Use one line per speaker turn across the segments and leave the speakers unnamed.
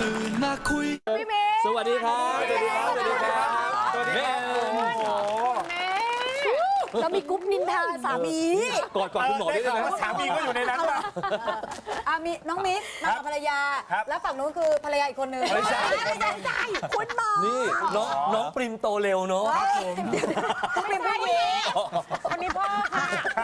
ตื่นมาคุย
พี่เมย์
สวัสดีครับสวัสดีครับสวัสดีครับสวัสดีครับ
เรามีกรุ๊ปนินทาสามี
กอดคุณหมอได้ไหม
สามีก็อยู่ในนั้นป่ะ
มีน้องมิกมากับภรรยา แล้วฝั่งนู้นคือภรรยาอีกคนนึงไม่ใช่คุณหมอ
นี่น้องปริมโตเร็วเนาะ
คุณเป็นผู้หญิงคนนี้พ่อค่ะ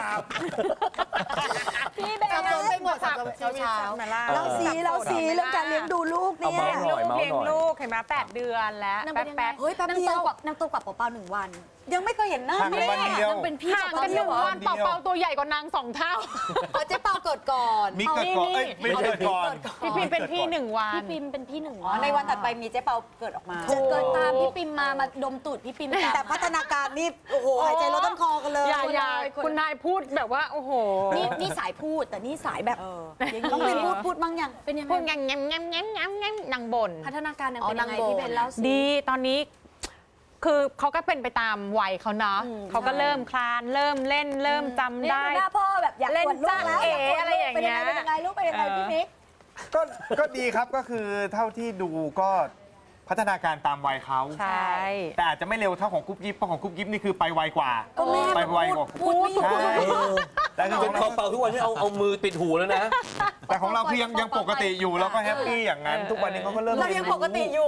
พี่เบลสับสนไปหมดสับสนเช้าเราสีเรื่องการเลี้ยงดูลูกเนี่ย
เลี้ยงลูกเห็นไหม8 เดือนแล้วแป๊บ
เฮ้ยแป๊บเดียวนางโตกว่าเปล่าๆ1 วันยังไม่เคยเห็นหน้า
ห่างกันวันเดียว
เป็นพี่
ห่างกัน1 วันเป่าตัวใหญ่กว่านาง2 เท่า
เจ๊เปาเกิดก่อน
มีเกิดก่อนไม่เกิดก่อน
พี่พิมเป็นพี่1 วัน
พี่ปิมเป็นพี่1
วันในวันถัดไปมีเจ๊เปาเกิดออกมา
เกิดตามพี่ปิมมาดมตูดพี่ปิม
แต่พัฒนาการนี่โอ้โหหายใจลดต้นคอกันเลย
อย่าคุณนายพูดแบบว่าโอ้โห
นี่สายพูดแต่นี่สายแบบ
ต้องเป็นพูดบ้างยัง
เป็นยังไง
พูดแงมนางบ่น
พัฒนาการนางเป็นยังไงพี่เบนเล่าสิ
ดีตอนนี้คือเขาก็เป็นไปตามวัยเขาเนาะเขาก็เริ่มคลานเริ่มเล่นเริ่มจำได้
หน้าพ่อแบบอยาก
เล่น
ลูก
จ้า
แล้ว
เอ๋อะไรอย่างเงี้ย
เป็นยังไงลูกเป็นยังไงพี่มิก
ก็ดีครับก็คือเท่าที่ดูก็พัฒนาการตามวัยเขา
ใช่
แต่อาจจะไม่เร็วเท่าของกุ๊บกิ๊บเพราะของกุ๊บกิ๊บนี่คือไปไวกว่าไปไวกว่า
พูด
ใช่แต่
จนเขาเป่าทุกวันที่เอามือปิดหูแล้วนะ
แต่ของเราคือยังปกติอยู่เราก็แฮปปี้อย่างนั้นทุกวันนี้เขาก็เริ่ม
เรายังปกติอยู่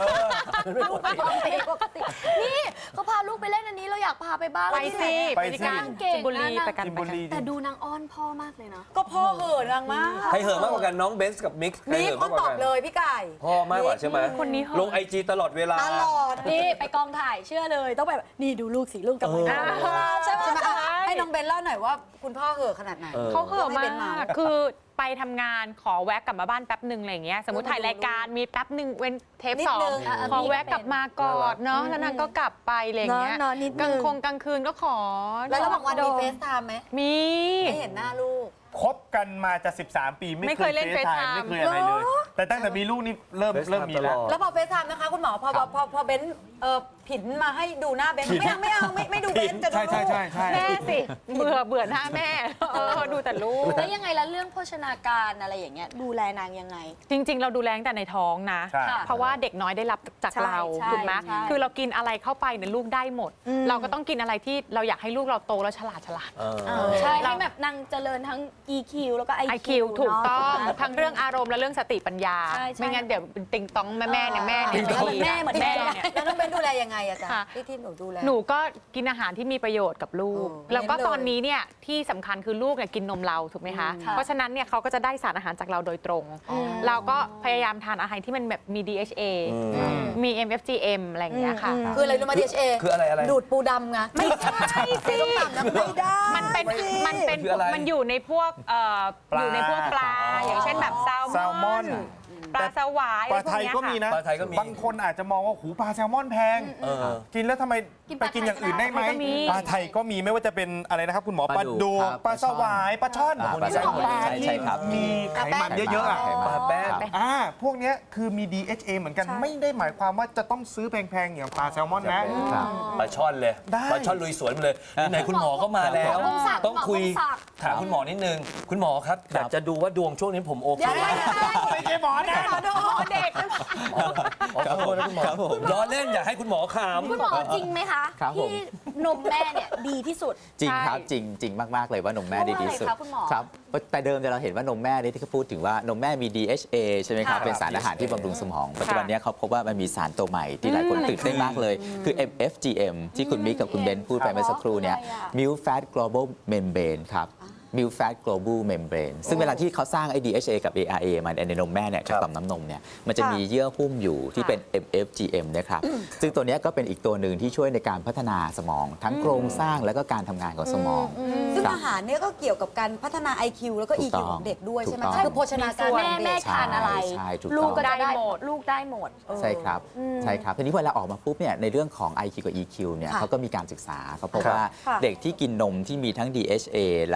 ปกตินี่เขาพาลูกไปเล่นอันนี้เราอยากพาไปบ้าง
ไปสิไปกันจิมบุรีไปกัน
แต่ดูนางอ้อนพ่อมากเลยนะ
ก็พ่อเห่อนางมาก
ใครเห่อมากกว่ากันน้องเบนซ์กับมิกใครเห่อมากกว่ากัน
เลยพี่ไก่
พ่อมากกว่าใช่ไหม
คนนี้
ลงIGตลอดเวลา
นี่ไปกองถ่ายเชื่อเลยต้องแบบนี่ดูลูกสิลูกกับมือ
ใช่ไหมให้น้องเบนเล่าหน่อยว่าคุณพ่อเห่อขนาดไหน
เขาเห่อมากคือไปทำงานขอแวะกลับมาบ้านแป๊บหนึ่งอะไรอย่างเงี้ยสมมติถ่ายรายการมีแป๊บหนึ่งเว้นเทป2ขอแวะกลับมากอดเนาะแล้วนางก็กลับไปอะไรอย่างเงี้ยกลางคืนก็ขอ
แล้วระหว่างวันมีเฟซไทม์ไหม
มี
ไม่เห็นหน้าลูก
คบกันมาจะ13 ปีไม่เคยเล่นเฟซไทม์ไม่เคยอะไรเลยแต่ตั้งแต่มีลูกนี่เริ่มมี
แล้วพอเฟซไทม์นะคะคุณหมอพอเบนผินมาให้ดูหน้าเบนไม่ดูเบนจะดูลูก
แม่สิเบื่อหน้าแม่ดูแต่ลูก
แล้วยังไงแล้วเรื่องโภชนาการอะไรอย่างเงี้ยดูแลนางยังไง
จริงๆเราดูแลตั้งแต่ในท้องนะเพราะว่าเด็กน้อยได้รับจากเราถูกไหมคือเรากินอะไรเข้าไปเนี่ยลูกได้หมดเราก็ต้องกินอะไรที่เราอยากให้ลูกเราโตแล้วฉลาด
ใช่ให้แบบนางเจริญทั้ง EQ แล้วก็ IQ
ถูกต้องทั้งเรื่องอารมณ์และเรื่องสติปัญญาไม่งั้นเดี๋ยวติงต้องแม่เนี่ยแม่เนี่ย
เหมือนแม่
เนี่ยแล้วน้องเบนดูแลยังไงอะจ๊ะที่หนูดูแล
หนูก็กินอาหารที่มีประโยชน์กับลูกแล้วก็ตอนนี้เนี่ยที่สำคัญคือลูกเนี่ยกินนมเราถูกไหมคะเพราะฉะนั้นเนี่ยเขาก็จะได้สารอาหารจากเราโดยตรงเราก็พยายามทานอาหารที่มันแบบมี DHA มี MFGM อะไรอย่างเงี้ยค่ะ
คืออะไรรู้ไหม DHA
คืออะไร
ดูดปูดำไง
ไม่ใช่สิ
ไม่ได้
มันอยู่ในพวกปลาอย่างเช่นแบบแซลมอนปลาสวาย
ปลาไทยก็มีนะบางคนอาจจะมองว่าหูปลาแซลมอนแพงกินแล้วทำไมไปกินอย่างอื่นได้ไหมปลาไทยก็มีไม่ว่าจะเป็นอะไรนะครับคุณหมอปลาดูปลาสวายปลาช่อนปลาที่มีไขมันเยอะๆ
ปลาแป้ง
พวกนี้คือมี DHA เหมือนกันไม่ได้หมายความว่าจะต้องซื้อแพงๆอย่างปลาแซลมอนนะ
ปลาช่อนเลยปลาช่อนลุยสวนเลยไหนคุณหมอก็มาแล้วต้องคุยถามคุณหมอนิดนึงคุณหมอครับอยากจะดูว่าดวงช่วงนี้ผมโอเค
ไม่ใช่หมอนะ
เด็ก
ขอโทษนะคุณหมอล้อเล่นอยากให้คุณหมอขำ
คุณหมอจริงไหมคะที่นมแม่เนี่ยดีที่สุด
จริงครับจริงมากๆเลยว่านมแม่ดีที่สุดครับแต่เดิมเราเห็นว่านมแม่ที่เขาพูดถึงว่านมแม่มี DHA ใช่ไหมครับเป็นสารอาหารที่บำรุงสมองปัจจุบันนี้เขาพบว่ามันมีสารตัวใหม่ที่หลายคนตื่นเต้นมากเลยคือ MFGM ที่คุณมิกกับคุณเบนพูดไปเมื่อสักครู่เนี่ย Milk Fat Global Membrane ครับMilk Fat Global Membrane ซึ่งเวลาที่เขาสร้าง DHA กับ ARA มาในนมแม่เนี่ยจากต่อมน้ำนมเนี่ยมันจะมีเยื่อหุ้มอยู่ที่เป็น MFGM นะครับซึ่งตัวนี้ก็เป็นอีกตัวหนึ่งที่ช่วยในการพัฒนาสมองทั้งโครงสร้างและก็การทำงานของสมอง
ซึ่งอาหารเนี่ยก็เกี่ยวกับการพัฒนา IQ แล้วก็ EQ ของเด็กด้วยใช่ไหมคือโภชนาการ
แม่ทานอะไรลูกก็ได้หมดลูกได้หมด
ใช่ครับใช่ครับทีนี้เวลาออกมาปุ๊บเนี่ยในเรื่องของ IQ กับ EQ เนี่ยเขาก็มีการศึกษาเขาพบว่าเด็กที่กินนมที่มีทั้ง DHA แล้วก็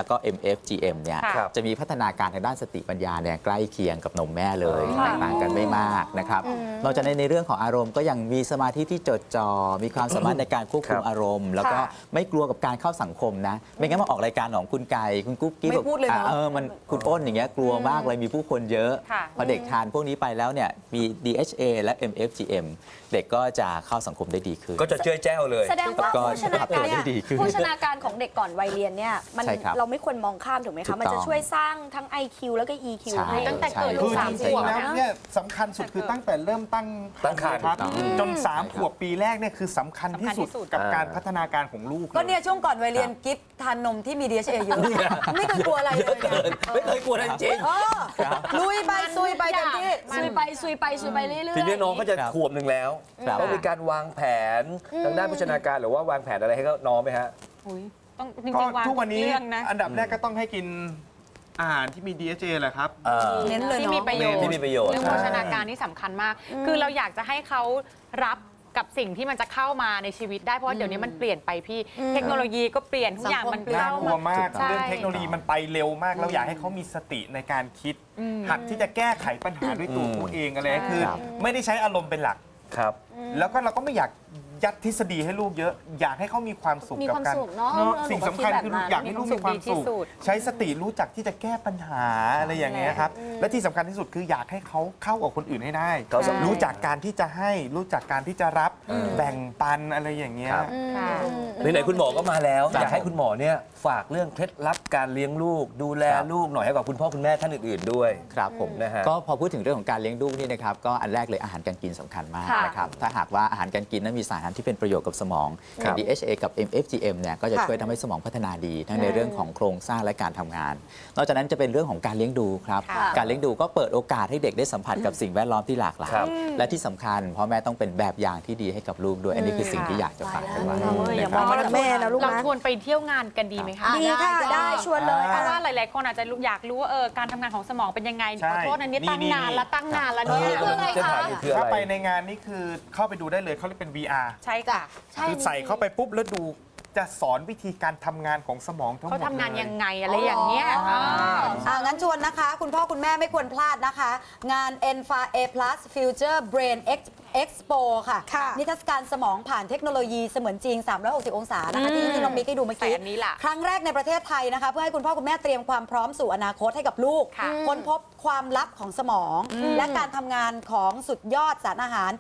MFGM เนี่ย
ค่ะ
จะมีพัฒนาการทางด้านสติปัญญาเนี่ยใกล้เคียงกับนมแม่เลยแตกต่างกันไม่มากนะครับนอกจากนั้นในเรื่องของอารมณ์ก็ยังมีสมาธิที่จดจ่อมีความสามารถในการควบคุมอารมณ์ แล้วก็ไม่กลัวกับการเข้าสังคมนะไม่งั้นมาออกรายการของคุณไก่คุณกุ๊กกิ๊บ
ไม่พูดเลยเนอะ
มันคุณอ้นอย่างเงี้ยกลัวมากเลยมีผู้คนเยอะ
ค่ะ
พอเด็กทานพวกนี้ไปแล้วเนี่ยมี DHA และ MFGM เด็กก็จะเข้าสังคมได้ดีขึ้น
ก็จะเจ้ยแจ้วเลย
แสดงว่า
ก็
โภชนาการ
ได้ดีขึ้น
โภชนาการของเด็กก่อนวัยเรียนเนี่ยมัน
ใช่ครับ
เราไม่ควรมองข้ามถูกไหม
ถู
คะ
กต้อง
มันจะช่วยสร้างทั้ง IQ แล้วก็ EQ
ใช่
ให้
ตั้งแต่เกิด
ใช่
ลู
คื
ก
อ
สา
จ
ม
ริง
ขวบ
ๆแล้ว
นะ
เนี่ยสำคัญสุดคือตั้งแต่เริ่มตั้ง
ครรภ์
ครับ
ถูกต้อง
จน3 ขวบปีแรกเนี่ยคือสำคัญที่สุด
สำคัญที่สุด
กับการพัฒนาการของลูก
ก็เนี่ยช่วงก่อนวัยเรียนกิฟทานนมที่มี DHA เยอะไม่เคยกลัวอะไรเลยเนี่ย
ไม่เคยกลัวอะไรจริง
เออลุยไปซุยไปเต็มที่
ซุยไปซุยไปซุยไปเรื่อยๆ
ทีนี้น้องก็จะ
ครับ
ขวบหนึ่งแล้ว
ครับ
ต้องมีการวางแผนทางด้านโภชนาการหรือว่าวางแผนอะไรให้เขาน้องไหมฮะ
อุ๊ยต้องจ
ก็
ริงๆวาง
ทุกวันนี้
เรื่องนะ
อันดับแรกก็ต้องให้กินอาหารที่มี DHA แหละครับ
เน้นเลย
ที่
เนาะ
มีประโยชน์
ที่มีประโยชน์
เรื่องโภชนาการนี่สำคัญมาก คือเราอยากจะให้เขารับกับสิ่งที่มันจะเข้ามาในชีวิตได้เพราะว่าเดี๋ยวนี้มันเปลี่ยนไปพี่เทคโนโลยีก็เปลี่ยนทุกอย่างมัน
น่า
เข้าก
ลัว
มาม
าก
ใช่
เรื่องเทคโนโลยีมันไปเร็วมาก เราอยากให้เขามีสติในการคิด หัดที่จะแก้ไขปัญหาด้วยตัวเขาเองอะไรคือ
ครับ
ไม่ได้ใช้อารมณ์เป็นหลัก
ครับ
แล้วก็เราก็ไม่อยากยัดทฤษฎีให้ลูกเยอะ อยากให้เขามีความสุข
มี
กับ
ความ
การ
สุขเนอะ
สิ่งสำคัญคืออยากให้ลูกมีความสุข ใช้สติรู้จักที่จะแก้ปัญหาอะไรอย่างเงี้ยครับ และที่สำคัญที่สุดคืออยากให้เขาเข้ากับคนอื่นให้ได้
เขาสำคัญ
รู้จักการที่จะให้รู้จักการที่จะรับแบ่งปันอะไรอย่างเงี้ย
ครับ
ค่ะ
ไหนๆคุณหมอก็มาแล้ว
ครับ
อยากให้คุณหมอเนี่ยฝากเรื่องเคล็ดลับการเลี้ยงลูก ดูแล
ครับ
ลูกหน่อยให้กับคุณพ่อคุณแม่ท่านอื่นๆด้วย
ครับผม
นะฮะ
ก็พอพูดถึงเรื่องของการเลี้ยงลูกนี่นะครับก็อันแรกเลยอาหารการกินสำคัญมาก
ค่ะ
นะครับถ้าหากว่าอาหารการกินนั้นมีสารอาหารที่เป็นประโยชน์กับสมอง
ครับ
DHA กับ MFGM เนี่ยก็จะ
ค่ะ
ช่วยทำให้สมองพัฒนาดี ทั้งในเรื่องของโครงสร้างและการทำงาน นอกจากนั้นจะเป็นเรื่องของการเลี้ยงดูครับ
ค่ะ
การเลี้ยงดูก็เปิดโอกาสให้เด็กได้สัมผัสกับสิ่งแวดล้อมที่หลากหลาย
ครับ
และที่สำคัญพ่อแม่ต้องเป็นแบบอย่างที่ดีให้กับลูกด้วย อันนี้คือสิ่งที่อยากจะฝากไว้
อย่า
นะ
ม
ค
อง
รับ
ว่าแม่นะลูก
เรา
นะ
ชวนไปเที่ยวงานกันดีไหมคะ
ดีค่ะได้ชวนเลย
เพราะ
อ่ะ
ว่าหลาย ๆ คนอาจจะอยากรู้ว่าการทำงานของสมองเป็นยังไง
ใช่
ขอโทษนะนี่ตั้ง
นี่
นานละตั้งนานละ
เอ
เนี่ย
อจะถามอยู่คืออะ
ถ้า
ไร
ไปในงานนี้คือเข้าไปดูได้เลยเขาเรียกเป็น VR
ใช่ค่ะ
คือใส่เข้าไปปุ๊บแล้วดูจะสอนวิธีการทำงานของสมองทั้งหมด
เขาทำงาน
ล
ยังไงอะไรอย่างเงี้ย
งั้นชวนนะคะ คุณพ่อคุณแม่ไม่ควรพลาดนะคะ งาน ENFA A Plus Future Brain Expo ค่ะ
ค่ะ
นิทรรศการสมองผ่านเทคโนโลยีเสมือนจริง 360 องศานะคะที่น้องมิกให้ดูเมื่อกี้
แต่อันนี้ล่ะ
ครั้งแรกในประเทศไทยนะคะ เพื่อให้คุณพ่อคุณแม่เตรียมความพร้อมสู่อนาคตให้กับลูก
ค่ะ
ค้นพบความลับของสมอง และการทำงานของสุดยอดสารอาหาร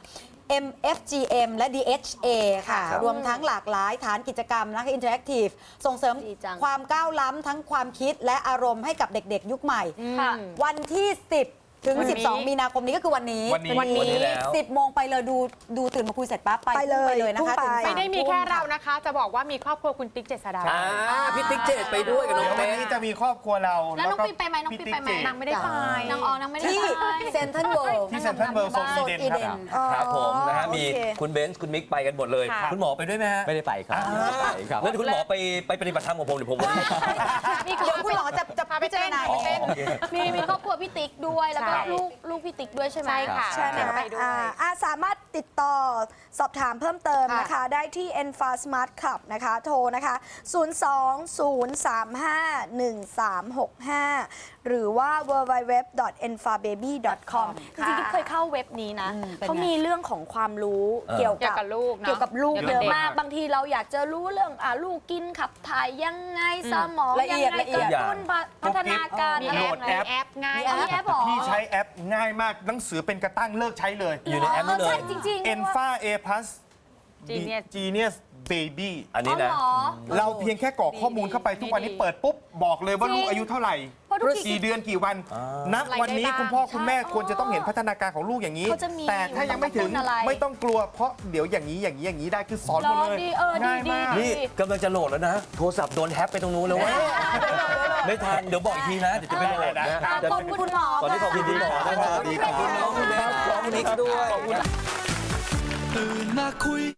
MFGM และ DHA ค่ะ
ครับ
รวมทั้งหลากหลายฐานกิจกรรมนะคะอินเทอร์แอคทีฟส่งเสริม
ดีจัง
ความก้าวล้ำทั้งความคิดและอารมณ์ให้กับเด็กๆ ยุคใหม่
ค่ะ
วันที่ 10 ถึง
วันนี้
12 มีนาคมนี้ก็คือวันนี้
วันนี้
แล้ว
10 โมงไปเลยดูตื่นมาคุยเสร็จปั๊บไป
ไปเลย
นะคะ
พุ่งไป
ถึง
ไม่ได้มีแค่เรานะคะ จะบอกว่ามีครอบครัวคุณติ๊กเจษฎา
พี่ติ๊กเจดไปด้วยกับน้
เดี๋
อย ง
ววัน
เต้
นี้จะมีครอบครัวเรา
แล้วน้อง
ก็
ปิ๊กไปไหมน้องปิ๊กไปไหม
พี่ติ๊เจ
นางไม่ได้ไป
นางออนางไม่ได้
ที่
ไป
เซ็นทรัลเวิลด์
ที่เซ็นทรัลเวิลด์โซนอีเดนครับ
ครับผมนะฮะ
โอเค
มีคุณเบนซ์คุณมิกไปกันหมดเลย
ค่ะ
คุณหมอไปด้วยไหมฮะ
ไม่ได้ไปครับไม่ได้ไปครับ
แล้วคุณหมอไปปฏิบัติธรรมกับผมหรือผม
มี
เดี๋ยวคุณหมอจะ
พาไป
พิจาร
เต้น
ณา
ไปเต้น
มีครอบครัวพี่ติ๊กด้วย แล้วก็
ใช่
ลูกพี่ติ๊กด้วยใช่ไหม
ใช่ค่ะ
ใช่ไหม
ไปด้วย
สามารถติดต่อสอบถามเพิ่มเติมนะคะ ได้ที่ Enfa Smart Club นะคะ โทรนะคะ 020351365 หรือว่า www.enfababy.com จริงๆเคยเข้าเว็บนี้นะ เขามีเรื่องของความรู้เกี่ยว
เกี่ยวกับลูกเนอะ
เกี่ยวกับลูก
เกี่ยว
เย
กับ
อะ
เด็ก
มาก บางทีเราอยากจะรู้เรื่องลูกกินขับถ่ายยังไงสมอง
ละ
ยั
เอียด
ไง
ละเอี
ก
ยด
ระตุ้นพัฒนาการ
มี
อะไร
แอ
ยั
ป
งไง
แอปง่าย
มีแอปเหรอ
พี่ใช้แอปง่ายมากหนังสือเป็นกระตั้งเลิกใช้เลย
อยู่ในแอปนี้เลย
ใช่จริงๆ
Enfa A Plus
Genius
Genius Baby
อันนี้นะ
อ๋อเหรอ
เราเพียงแค่กรอกข้อมูลเข้าไปทุกวันนี้เปิดปุ๊บ บอกเลยว่าลูกอายุเท่าไหร่
เพราะทุกที
กี่เดือนกี่วัน นับวันนี้คุณพ่อคุณแม่ควรจะต้องเห็นพัฒนาการของลูกอย่างนี้
เขาจะมี
แต่ถ้ายังไม่ถึง
กระตุ้นอะไร
ไม่ต้องกลัวเพราะเดี๋ยวอย่างนี้ได้คือสอนหมดเลย
ดีดี
ง่ายมาก
ดี
นี่กำลังจะโหลดแล้วนะ โทรศัพท์โดนแฮกไปตรงนู้นแล้ววะไม่ทัน เดี๋ยวบอกอีกทีนะ เดี๋ยวจะไปโหลดนะ
ขอบคุณคุณหมอ
ตอนนี้ขอบคุณคุณหมอนะครับขอบคุณน้องคุณแม่ขอบคุณนิกด้วย